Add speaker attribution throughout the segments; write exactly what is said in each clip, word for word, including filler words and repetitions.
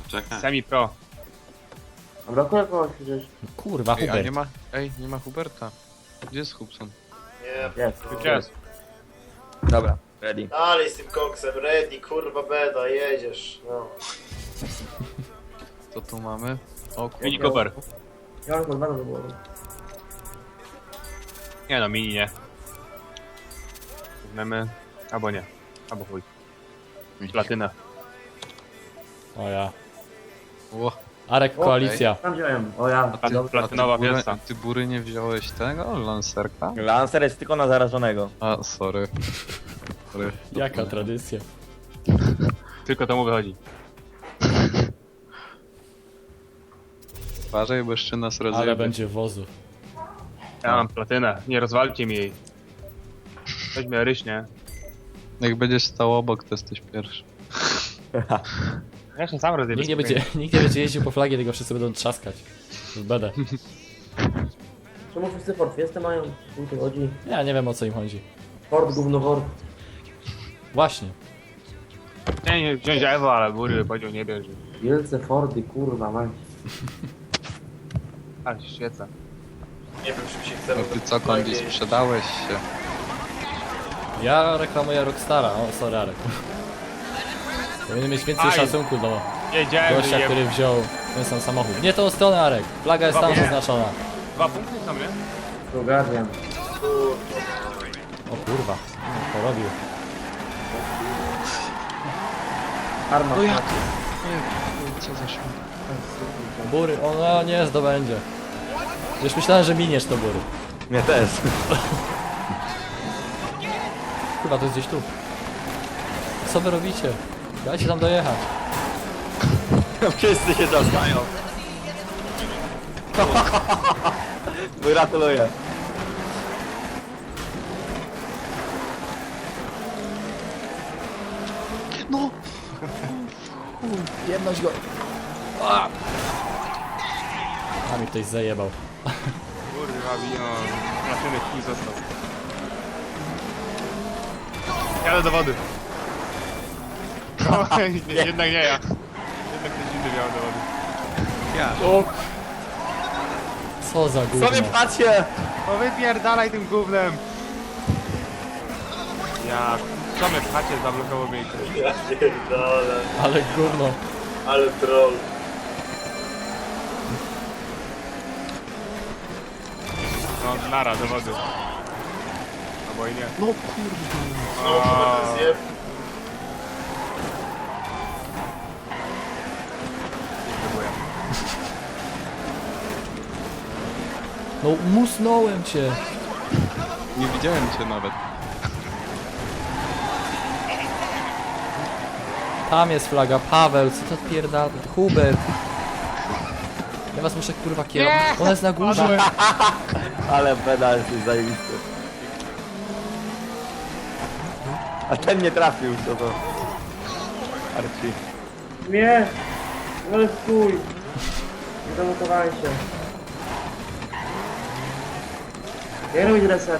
Speaker 1: Czekaj.
Speaker 2: Semi pro.
Speaker 3: A brakuje kogoś gdzieś.
Speaker 4: Kurwa,
Speaker 5: Ej, a
Speaker 4: Hubert.
Speaker 5: nie ma... Ej, nie ma Huberta. Gdzie jest Hubson?
Speaker 6: Nie,
Speaker 3: Jest.
Speaker 2: Jest.
Speaker 4: Dobra, ready.
Speaker 6: dalej z tym koksem, ready, kurwa beda, jedziesz, no.
Speaker 5: Co tu mamy? O
Speaker 2: Mini
Speaker 5: kurwa.
Speaker 2: Cooper.
Speaker 3: Ja mam kurwa do głowy.
Speaker 2: Nie no, mini nie. Weźmiemy. Albo nie. Albo chuj. Platynę.
Speaker 4: O ja.
Speaker 5: Ło.
Speaker 4: Arek, koalicja.
Speaker 3: Tam wziąłem. O ja.
Speaker 5: A ty,
Speaker 2: Platynowa
Speaker 5: a ty, bury,
Speaker 2: wielca.
Speaker 5: ty bury nie wziąłeś tego? Lancerka?
Speaker 7: Lancer jest tylko na zarażonego.
Speaker 5: A, sorry. sorry.
Speaker 4: Jaka tradycja.
Speaker 2: Tylko to mu wychodzi.
Speaker 5: Uważaj, bo jeszcze nas rozjebie.
Speaker 4: Ale będzie wozu.
Speaker 2: Ja mam platynę. Nie rozwalcie mi jej. Weźmy ryśnie.
Speaker 5: Jak będziesz stał obok, to jesteś pierwszy.
Speaker 2: Ja się sam rozjebię.
Speaker 4: Nikt nie będzie, nikt nie będzie jeździł po flagie, tylko wszyscy będą trzaskać. W bedę.
Speaker 3: Czemu wszyscy Ford Fiesta mają? O co chodzi?
Speaker 4: Ja nie wiem, o co im chodzi.
Speaker 3: Ford, gówno Ford.
Speaker 4: Właśnie.
Speaker 2: Nie, nie wziąć Ewo, ale bury powiedział nie bierze.
Speaker 3: Wielce Fordy, kurwa, mać.
Speaker 2: Ale się świeca.
Speaker 6: Nie wiem, czym się chcemy.
Speaker 5: No ty co, Kondi, sprzedałeś się.
Speaker 4: Ja reklamuję Rockstara. O, sorry, Arek. Powinien mieć więcej
Speaker 2: Aj.
Speaker 4: szacunku do
Speaker 2: Jedziemy,
Speaker 4: gościa,
Speaker 2: jem.
Speaker 4: który wziął ten sam samochód. Nie tą stronę, Arek. Flaga jest tam
Speaker 2: Dobra.
Speaker 4: zaznaczona.
Speaker 2: Dwa punkty są, nie?
Speaker 3: To Guardian.
Speaker 4: O kurwa. Porobił.
Speaker 3: Arma.
Speaker 5: No jak? Co za śmiech.
Speaker 4: Bury, o no nie zdobędzie. Już myślałem, że miniesz to bury.
Speaker 7: Mnie też.
Speaker 4: Chyba to jest gdzieś tu. Co wy robicie? Dajcie tam dojechać.
Speaker 7: Wszyscy się dostają. Gratuluję.
Speaker 5: No!
Speaker 4: Jedność go. A! A mi ktoś zajebał.
Speaker 2: Kurwa, wino. Platyny kij został. Jadę do wody. O, nie, jednak nie ja. Jednak ktoś inny miał do wody.
Speaker 5: Ja.
Speaker 4: O! Co za gówno.
Speaker 7: Sobie patrzcie!
Speaker 2: No wypierdalaj tym gównem. Ja... Co mnie pchacie, zablokował mnie.
Speaker 6: Ja pierdolę,
Speaker 4: Ale gówno.
Speaker 6: ale troll.
Speaker 2: No, nara, do wody. Albo i nie.
Speaker 5: No kurwa.
Speaker 6: Znowu będę zjeb.
Speaker 2: Próbuję.
Speaker 4: No musnąłem cię.
Speaker 5: Nie widziałem cię nawet.
Speaker 4: Tam jest flaga. Paweł, co to pierdala? Hubert. Ja was muszę kurwa kierować. Ona jest na górze.
Speaker 7: Ale beda jesteś zajebisty. A ten nie trafił, co to? Arci.
Speaker 3: Nie! Ale stój! Nie zamutowałem się. Jak robić reset?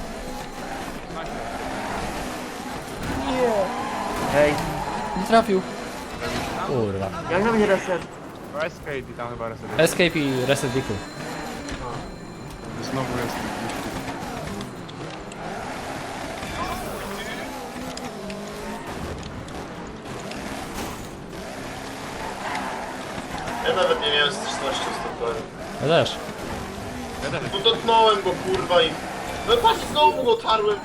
Speaker 3: Nie! Hej,
Speaker 4: Nie trafił. Kurwa.
Speaker 3: jak robić reset?
Speaker 2: To escape i tam chyba reset.
Speaker 4: Escape i reset vehicle.
Speaker 5: Znowu jest.
Speaker 6: Ja nawet nie miałem styczności z tym torem.
Speaker 4: Ja też.
Speaker 6: No dotknąłem go, kurwa, i... No patrz, znowu go tarłem.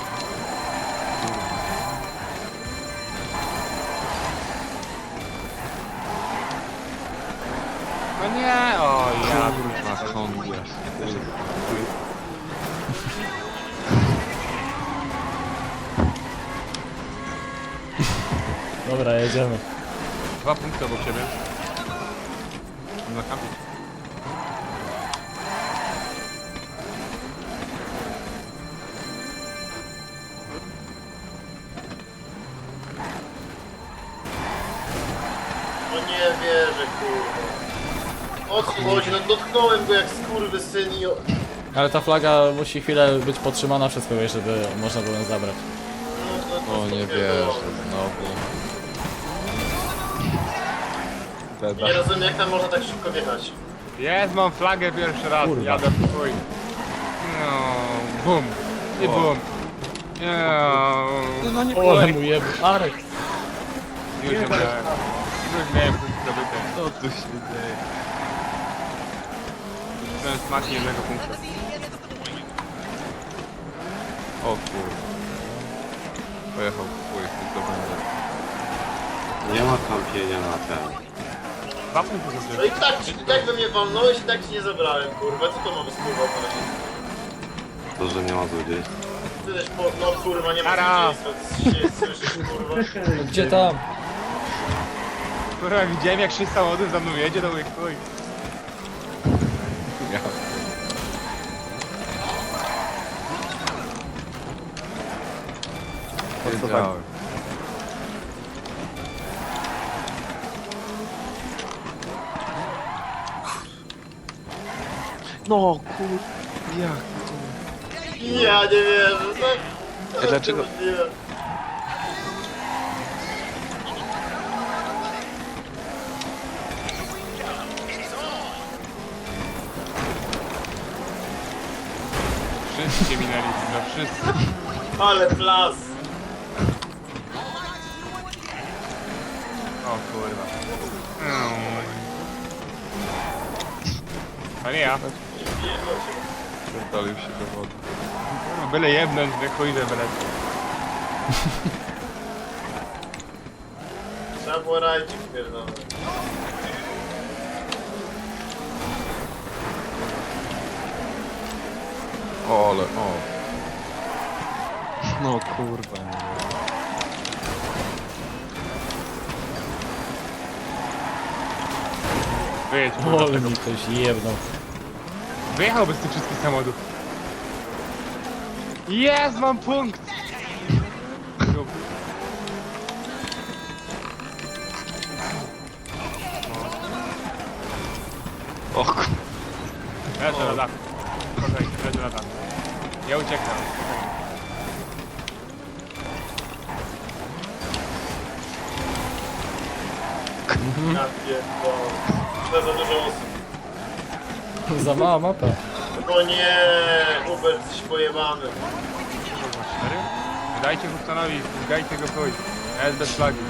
Speaker 2: No nie, o ja.
Speaker 5: Kurwa, Kondi.
Speaker 4: Dobra, jedziemy.
Speaker 2: Dwa punkty obok siebie. Na kampie.
Speaker 6: No nie wierzę, kurwa. O co tu chodzi? No dotknąłem go jak skurwysyn i... o-
Speaker 4: Ale ta flaga musi chwilę być podtrzymana przez kogoś, żeby można było ją zabrać.
Speaker 6: No, no,
Speaker 5: O, nie
Speaker 6: to
Speaker 5: wierzę, znowu. Beda.
Speaker 6: Nie rozumiem, jak tam można tak szybko wjechać.
Speaker 2: Jest, mam flagę pierwszy raz,
Speaker 4: Kurwa.
Speaker 2: jadę w chuj. No, bum. I
Speaker 5: O.
Speaker 2: bum. No,
Speaker 5: No nie
Speaker 4: Ole mu jeb... Arek.
Speaker 2: już nie miałem. Już miałem punkt zdobyty.
Speaker 5: Co tu się dzieje?
Speaker 2: Ten smak jednego punktu.
Speaker 5: O kur... Pojechał w chuj, tylko będzie.
Speaker 1: Nie ma kampienia na ten.
Speaker 2: Dwa punkty
Speaker 6: No
Speaker 2: zdobyty.
Speaker 6: i tak, ci- tak we mnie walnąłeś i tak ci nie zabrałem, kurwa. Co to ma być kurwa odnosić?
Speaker 1: To, że nie ma złodziejstwa.
Speaker 6: Ty też po... No kurwa, nie ma
Speaker 2: Ara.
Speaker 6: zwycięstwa. Ty się słyszysz, kurwa.
Speaker 4: Gdzie tam?
Speaker 2: Kurwa, widziałem jak sześć samochodów za mną jedzie, to mówię, chuj.
Speaker 5: Ja. Wiedziałem. No kur... Jak to?
Speaker 6: Ja nie wierzę, no.
Speaker 5: Ej, dlaczego-
Speaker 6: Nie.
Speaker 2: Wszyscy się minęli, no wszyscy.
Speaker 6: Ale plas.
Speaker 2: O kurwa. Mm. A nie ja.
Speaker 5: Pierdolił się do wody.
Speaker 2: Kurwa, byle jebnąć, nie chuj, że byle.
Speaker 6: Trzeba było rajcik pierdolony.
Speaker 5: O, ale o. No kurwa nie wiem.
Speaker 2: Wyjedź, kurwa.
Speaker 4: Ole mi ktoś jebnął.
Speaker 2: Wyjechał bez tych wszystkich samochodów. Jest, mam punkt!
Speaker 5: O kur...
Speaker 2: Leżę na dachu. Spokojnie, leżę na dachu. Ja uciekam.
Speaker 6: Ja pierdolę. To za dużo osób.
Speaker 4: Za mała mapa.
Speaker 6: No nie, Hubert, jesteś pojebany.
Speaker 2: Cztery? Dajcie Hubsonowi, dajcie go chuj. Ja jest bez flagi.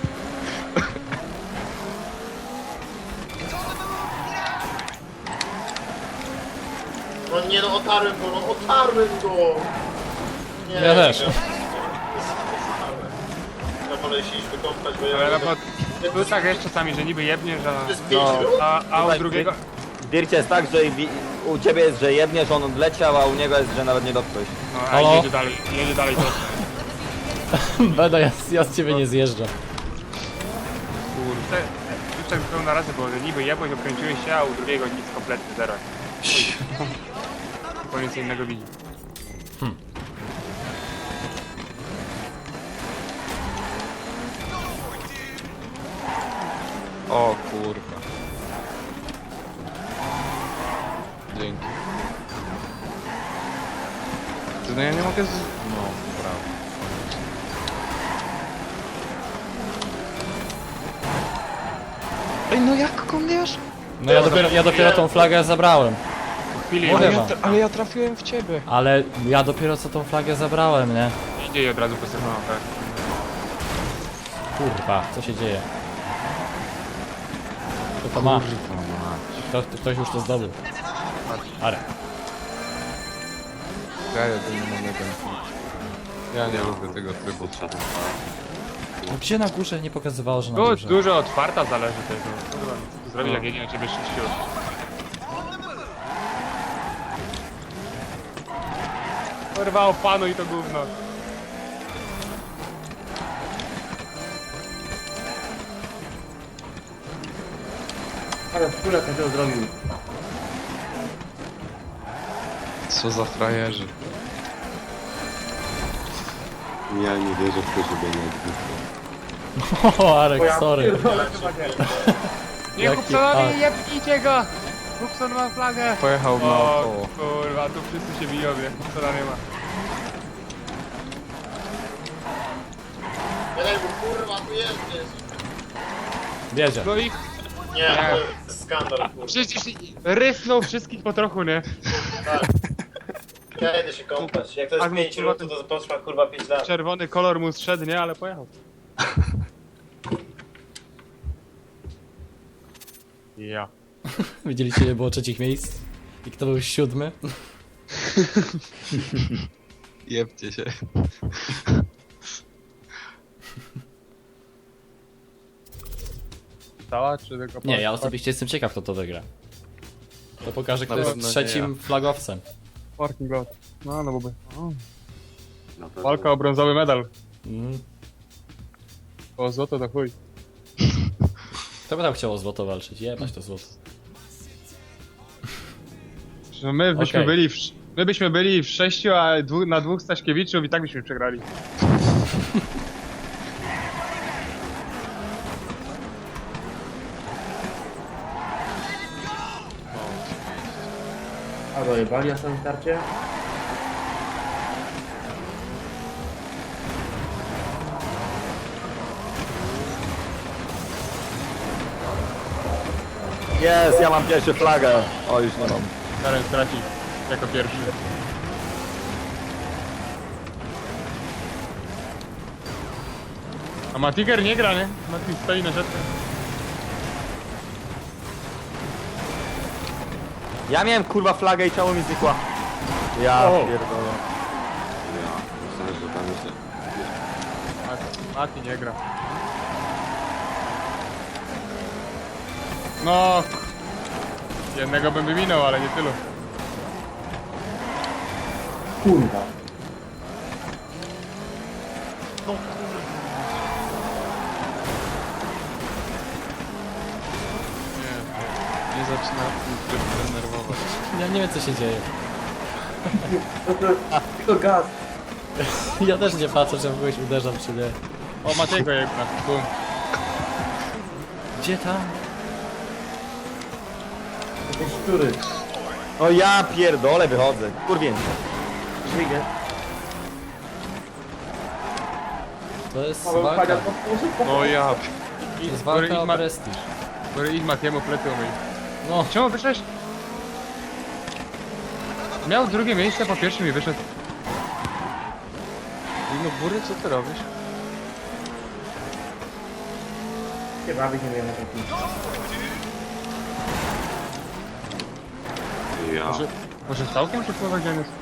Speaker 6: No nie no, otarłem go, no otarłem go! Nie,
Speaker 4: Ja też.
Speaker 6: nie, ja wolę się iść wykąpać, bo ja...
Speaker 2: Ale no bo był tak jeszcze czasami, że niby jebniesz,
Speaker 6: To
Speaker 2: a,
Speaker 6: jest pięć
Speaker 7: No.
Speaker 6: minut?
Speaker 2: a, a u
Speaker 7: Tutaj
Speaker 2: drugiego...
Speaker 7: W Dircie jest tak, że wi- u ciebie jest, że jedniesz, on odleciał, a u niego jest, że nawet nie dotknąłeś.
Speaker 2: No, a
Speaker 4: Halo?
Speaker 2: jedzie dalej, jedzie dalej to.
Speaker 4: Beda, ja, ja z ciebie nie zjeżdżam.
Speaker 2: Kurde. Już tak pełna razy było, że niby jebłeś, okręciłeś się, a u drugiego nic kompletnie, zero. Koniec innego widzi.
Speaker 5: O kurwa. Dzięki. Ty, no ja nie mogę z... No, brawo. Ej, no jak komiesz?
Speaker 4: No ja dopiero, ja dopiero tą flagę zabrałem.
Speaker 2: Po chwili
Speaker 4: Mówię
Speaker 2: jedzie,
Speaker 4: wam.
Speaker 5: Ale ja trafiłem w ciebie.
Speaker 4: Ale ja dopiero co tą flagę zabrałem, nie?
Speaker 2: idzie i od razu posypała, tak.
Speaker 4: Kurwa, co się dzieje? Kto to ma? Kto, ktoś już to zdobył. Arek.
Speaker 5: Ja jedynie mam jeden punkt. Ja nie lubię tego trybu.
Speaker 4: No gdzie na górze nie pokazywało, że na
Speaker 2: Tu
Speaker 4: górze?
Speaker 2: dużo od farta zależy tego. Kurwa, co tu zrobić, jak jedzie na ciebie sześciu. Kurwa, opanuj to gówno.
Speaker 3: Ale w ogóle każdego zrobił.
Speaker 5: Co za frajerzy.
Speaker 1: Ja nie wierzę w to, że będzie egzystuje.
Speaker 4: O, Arek, sorry.
Speaker 6: Ja cię pierdolę.
Speaker 2: Nie,
Speaker 4: Jaki
Speaker 2: Hubsonowi,
Speaker 4: art.
Speaker 2: jebnijcie go! Hubson ma flagę!
Speaker 5: Pojechał
Speaker 2: O
Speaker 5: naokoło.
Speaker 2: kurwa, tu wszyscy się biją, jak Hubsona nie ma.
Speaker 6: Ej, bo kurwa, tu jedziesz.
Speaker 4: Wiedzie.
Speaker 2: No i
Speaker 6: Nie, to jest skandal, kurwa.
Speaker 2: Przecież rysnął wszystkich po trochu, nie?
Speaker 6: Ja idę się kąpać. Jak to jest
Speaker 2: Tak,
Speaker 6: pięć
Speaker 2: kurwa,
Speaker 6: minut, to potrwa kurwa pięć lat.
Speaker 2: Czerwony kolor mu zszedł, nie? Ale pojechał. Ja.
Speaker 4: Widzieliście, ile było trzecich miejsc? I kto był siódmy?
Speaker 5: Jebcie się.
Speaker 2: Cała czy tylko
Speaker 4: Nie, ja osobiście jestem ciekaw, kto to wygra. To pokaże, kto
Speaker 5: Na
Speaker 4: jest
Speaker 5: pewno nie
Speaker 4: trzecim flagowcem.
Speaker 2: Parking lot. No, no byłby. O,
Speaker 1: Na pewno.
Speaker 2: walka o brązowy medal.
Speaker 4: Mm.
Speaker 2: O złoto to chuj.
Speaker 4: Kto by tam chciał o złoto walczyć? Jebać to złoto.
Speaker 2: Że my byśmy
Speaker 4: Okej.
Speaker 2: byli w, sz- my byśmy byli w sześciu, a dwu, na dwóch Staśkiewiczów i tak byśmy przegrali.
Speaker 3: A dojebali na samym starcie?
Speaker 7: Jest, ja mam pierwszy flagę. O, już nie mam.
Speaker 2: Karen straci jako pierwszy. A Matiger nie gra, nie? Mati stoi na rzece.
Speaker 7: Ja miałem kurwa flagę i czemu mi znikła? Ja
Speaker 2: O.
Speaker 7: pierdolę.
Speaker 1: Ja myślałem, że tam jest...
Speaker 2: Mati, Mati nie gra. No. Jednego bym wyminął, ale nie tylu.
Speaker 3: Kurwa.
Speaker 5: Nie zaczyna mnie denerwować.
Speaker 4: Ja nie wiem, co się dzieje.
Speaker 3: No to tylko gaz.
Speaker 4: Ja też nie patrzę, czy w kogoś uderzam, czy nie.
Speaker 2: O, Matiego jedna. Bum.
Speaker 4: Gdzie tam?
Speaker 3: Jakieś szczury.
Speaker 7: O ja pierdolę, wychodzę. Kurwięcie.
Speaker 3: Żygę.
Speaker 4: To jest
Speaker 3: Paweł
Speaker 4: walka.
Speaker 3: Paga podpowiedź.
Speaker 5: No ja.
Speaker 4: To jest
Speaker 2: Gory
Speaker 4: walka o
Speaker 2: Igma,
Speaker 4: prestiż.
Speaker 2: Gory Igma Matiemu plecy umyj.
Speaker 4: No,
Speaker 2: Czemu wyszłeś? Miał drugie miejsce, po pierwszym i wyszedł.
Speaker 5: No Bury, co ty robisz?
Speaker 3: Się bawić nie wiem na takim.
Speaker 1: Ja.
Speaker 2: Może, może z całkiem czy słowa gdzie on jest?